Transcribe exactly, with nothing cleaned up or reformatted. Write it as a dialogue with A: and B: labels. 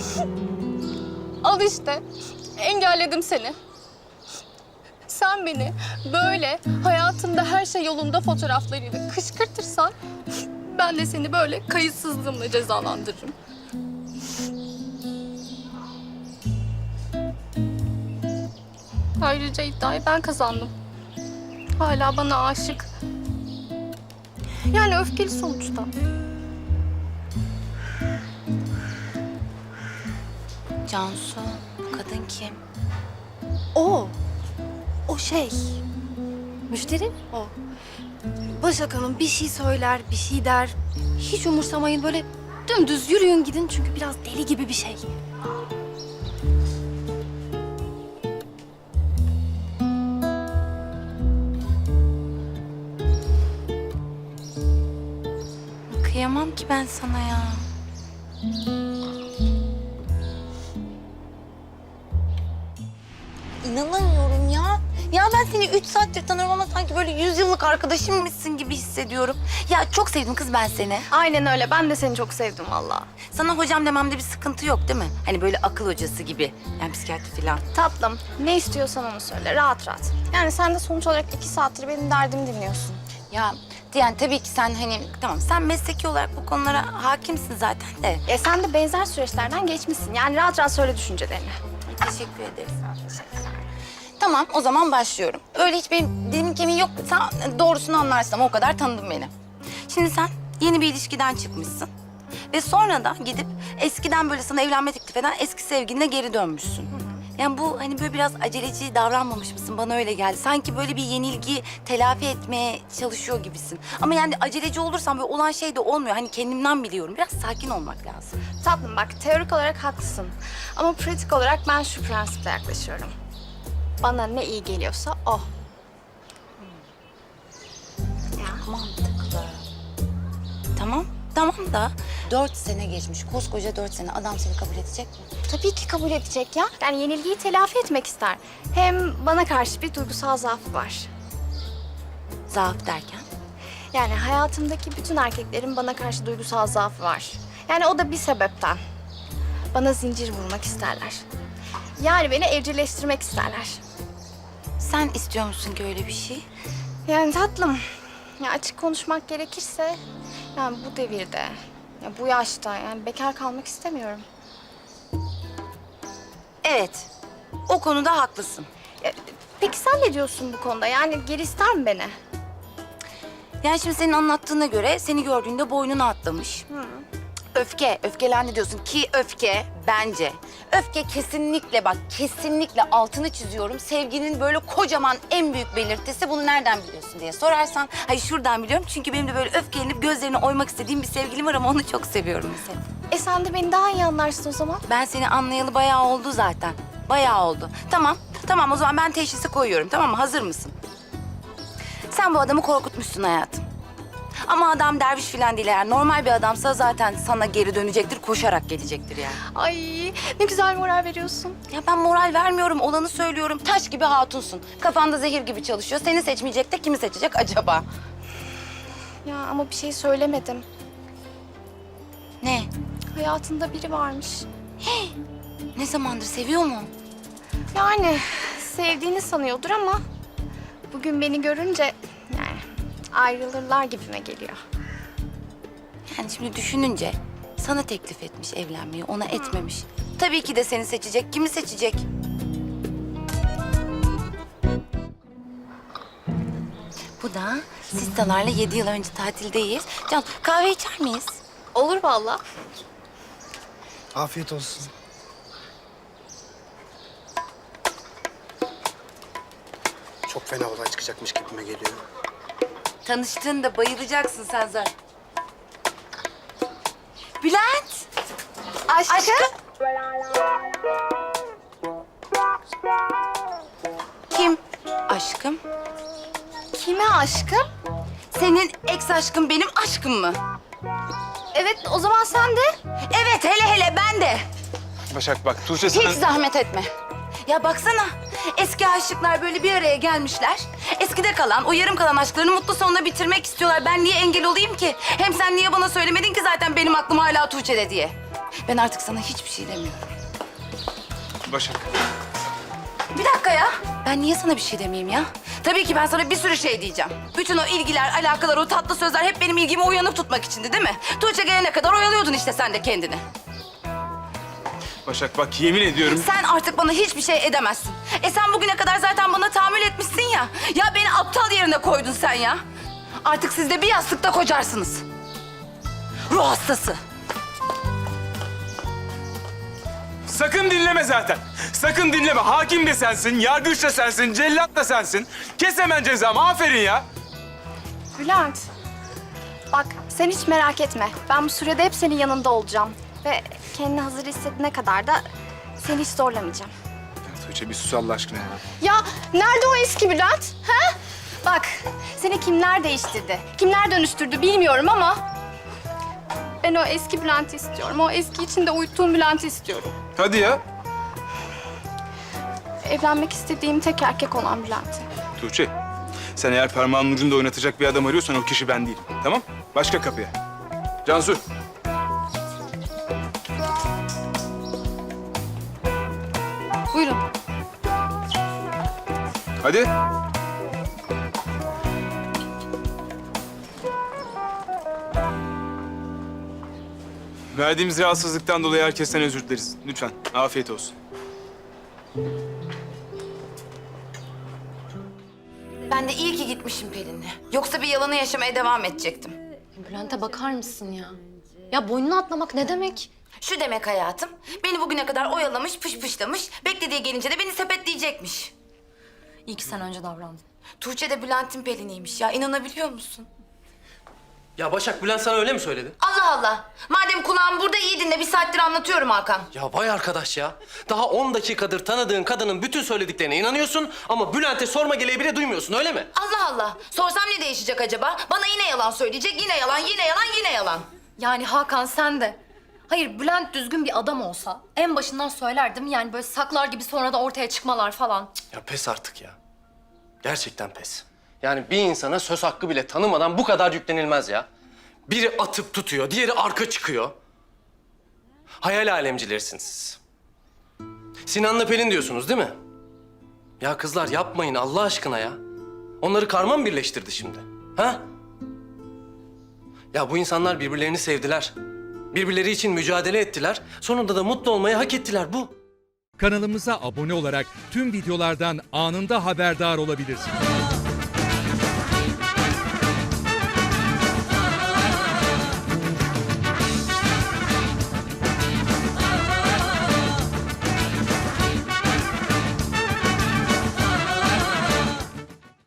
A: Al işte. Engelledim seni. Sen beni böyle hayatında her şey yolunda fotoğraflarıyla kışkırtırsan ben de seni böyle kayıtsızlığımla cezalandırırım. Ayrıca iddiayı ben kazandım. Hala bana aşık. Yani öfkeli sonuçta.
B: Cansu, kadın kim?
A: O. O şey. Müşteri o. Başak Hanım bir şey söyler, bir şey der. Hiç umursamayın, böyle dümdüz yürüyün gidin çünkü biraz deli gibi bir şey.
B: Kıyamam ki ben sana ya. İnanamıyorum ya. Ya ben seni üç saattir tanıyorum ama sanki böyle yüz yıllık arkadaşımmışsın gibi hissediyorum. Ya çok sevdim kız ben seni.
A: Aynen öyle. Ben de seni çok sevdim vallahi.
B: Sana hocam dememde bir sıkıntı yok değil mi? Hani böyle akıl hocası gibi. Yani psikiyatri falan.
A: Tatlım, ne istiyorsan onu söyle, rahat rahat. Yani sen de sonuç olarak iki saattir benim derdimi dinliyorsun.
B: Ya yani tabii ki sen hani tamam sen mesleki olarak bu konulara hakimsin zaten de.
A: E sen de benzer süreçlerden geçmişsin. Yani rahat rahat söyle düşüncelerini.
B: Teşekkür ederiz. Tamam, o zaman başlıyorum. Öyle hiç benim dilimin kemiği yok. Sen doğrusunu anlarsın ama o kadar tanıdın beni. Şimdi sen yeni bir ilişkiden çıkmışsın. Ve sonra da gidip eskiden böyle sana evlenme teklif eden eski sevgiline geri dönmüşsün. Yani bu hani böyle biraz aceleci davranmamış mısın? Bana öyle geldi. Sanki böyle bir yenilgi telafi etmeye çalışıyor gibisin. Ama yani aceleci olursan böyle olan şey de olmuyor. Hani kendimden biliyorum. Biraz sakin olmak lazım.
A: Tatlım bak, teorik olarak haklısın. Ama pratik olarak ben şu prensiple yaklaşıyorum. Bana ne iyi geliyorsa o.
B: Mantıklı. Tamam, tamam da dört sene geçmiş. Koskoca dört sene adam seni kabul edecek mi?
A: Tabii ki kabul edecek ya. Yani yenilgiyi telafi etmek ister. Hem bana karşı bir duygusal zaafı var.
B: Zaaf derken?
A: Yani hayatımdaki bütün erkeklerin bana karşı duygusal zaafı var. Yani o da bir sebepten. Bana zincir vurmak isterler. Yani beni evcilleştirmek isterler.
B: Sen istiyor musun ki öyle bir şey?
A: Yani tatlım, ya açık konuşmak gerekirse... yani bu devirde, ya bu yaşta yani bekar kalmak istemiyorum.
B: Evet, o konuda haklısın.
A: Ya, peki sen ne diyorsun bu konuda? Yani geri ister mi beni?
B: Yani şimdi senin anlattığına göre seni gördüğünde boynuna atlamış.
A: Hı.
B: Öfke, öfkelendi diyorsun ki öfke bence. Öfke kesinlikle bak, kesinlikle altını çiziyorum. Sevginin böyle kocaman en büyük belirtisi. Bunu nereden biliyorsun diye sorarsan. Hayır şuradan biliyorum çünkü benim de böyle öfkelenip gözlerini oymak istediğim bir sevgilim var ama onu çok seviyorum mesela.
A: E sen de beni daha iyi anlarsın o zaman.
B: Ben seni anlayalı bayağı oldu zaten. Bayağı oldu. Tamam, tamam o zaman ben teşhisi koyuyorum tamam mı? Hazır mısın? Sen bu adamı korkutmuşsun hayatım. Ama adam derviş falan değil eğer normal bir adamsa zaten sana geri dönecektir, koşarak gelecektir yani.
A: Ay ne güzel moral veriyorsun.
B: Ya ben moral vermiyorum, olanı söylüyorum. Taş gibi hatunsun. Kafanda zehir gibi çalışıyor. Seni seçmeyecek de kimi seçecek acaba?
A: Ya ama bir şey söylemedim.
B: Ne?
A: Hayatında biri varmış.
B: Ne zamandır seviyor mu?
A: Yani sevdiğini sanıyordur ama... bugün beni görünce yani ayrılırlar gibime geliyor.
B: Yani şimdi düşününce sana teklif etmiş evlenmeyi, ona etmemiş. Tabii ki de seni seçecek. Kimi seçecek? Bu da sistalarla yedi yıl önce tatildeyiz. Can, kahve içer miyiz?
A: Olur vallahi.
C: Afiyet olsun. Çok fena olay çıkacakmış gibime geliyor.
B: Tanıştığında bayılacaksın sen zaten. Bülent!
A: Aşkım.
B: Aşkım. Kim? Aşkım.
A: Kime aşkım?
B: Senin ex aşkın benim aşkım mı?
A: Evet o zaman sen de.
B: Evet hele hele ben de.
C: Başak bak Tuğçe sana...
B: Hiç zahmet etme. Ya baksana eski aşıklar böyle bir araya gelmişler. Eskide kalan o yarım kalan aşklarını mutlu sonuna bitirmek istiyorlar. Ben niye engel olayım ki? Hem sen niye bana söylemedin ki zaten benim aklım hala Tuğçe'de diye? Ben artık sana hiçbir şey demiyorum.
D: Başak.
B: Bir dakika ya. Ben niye sana bir şey demeyeyim ya? Tabii ki ben sana bir sürü şey diyeceğim. Bütün o ilgiler, alakalar, o tatlı sözler hep benim ilgimi uyanık tutmak içindi değil mi? Tuğçe gelene kadar oyalıyordun işte sen de kendini.
D: Başak bak yemin ediyorum.
B: Sen artık bana hiçbir şey edemezsin. E sen bugüne kadar zaten bana tahammül etmişsin ya. Ya beni aptal yerine koydun sen ya. Artık siz de bir yastıkta kocarsınız. Ruh hastası.
D: Sakın dinleme zaten. Sakın dinleme. Hakim de sensin, yargıç da sensin, cellat da sensin. Kes hemen cezamı. Aferin ya.
E: Bülent, bak sen hiç merak etme. Ben bu sürede hep senin yanında olacağım. Ve kendini hazır hissedene kadar da seni hiç zorlamayacağım.
D: Ya Tuğçe bir sus Allah aşkına ya.
E: Ya nerede o eski Bülent? Ha? Bak seni kimler değiştirdi, kimler dönüştürdü bilmiyorum ama... Ben o eski Bülent'i istiyorum. O eski içinde uyuttuğum Bülent'i istiyorum.
D: Hadi ya.
E: Evlenmek istediğim tek erkek olan Bülent'i.
D: Tuğçe, sen eğer parmağının ucunda oynatacak bir adam arıyorsan o kişi ben değilim. Tamam? Başka kapıya. Cansu.
A: Buyurun.
D: Hadi. Verdiğimiz rahatsızlıktan dolayı herkesten özür dileriz. Lütfen. Afiyet olsun.
B: Ben de iyi ki gitmişim Pelin'le. Yoksa bir yalanı yaşamaya devam edecektim.
A: Bülent'e bakar mısın ya? Ya boynunu atlamak ne demek?
B: Şu demek hayatım, beni bugüne kadar oyalamış, pışpışlamış, beklediği gelince de beni sepetleyecekmiş.
A: İyi ki sen önce davrandın.
B: Tuğçe de Bülent'in Pelin'iymiş ya, inanabiliyor musun?
F: Ya Başak, Bülent sana öyle mi söyledi?
B: Allah Allah! Madem kulağım burada iyi dinle, bir saattir anlatıyorum Hakan.
F: Ya vay arkadaş ya. Daha on dakikadır tanıdığın kadının bütün söylediklerine inanıyorsun ama Bülent'e sorma geleği bile duymuyorsun, öyle mi?
B: Allah Allah! Sorsam ne değişecek acaba? Bana yine yalan söyleyecek, yine yalan, yine yalan, yine yalan.
G: Yani Hakan sen de. Hayır Bülent düzgün bir adam olsa en başından söylerdim yani böyle saklar gibi sonra da ortaya çıkmalar falan. Cık.
F: Ya pes artık ya. Gerçekten pes. Yani bir insana söz hakkı bile tanımadan bu kadar yüklenilmez ya. Biri atıp tutuyor, diğeri arka çıkıyor. Hayal alemcilersiniz siz. Sinan'la Pelin diyorsunuz değil mi? Ya kızlar yapmayın Allah aşkına ya. Onları karma mı birleştirdi şimdi? Ha? Ya bu insanlar birbirlerini sevdiler. Birbirleri için mücadele ettiler. Sonunda da mutlu olmayı hak ettiler bu.
H: Kanalımıza abone olarak tüm videolardan anında haberdar olabilirsiniz.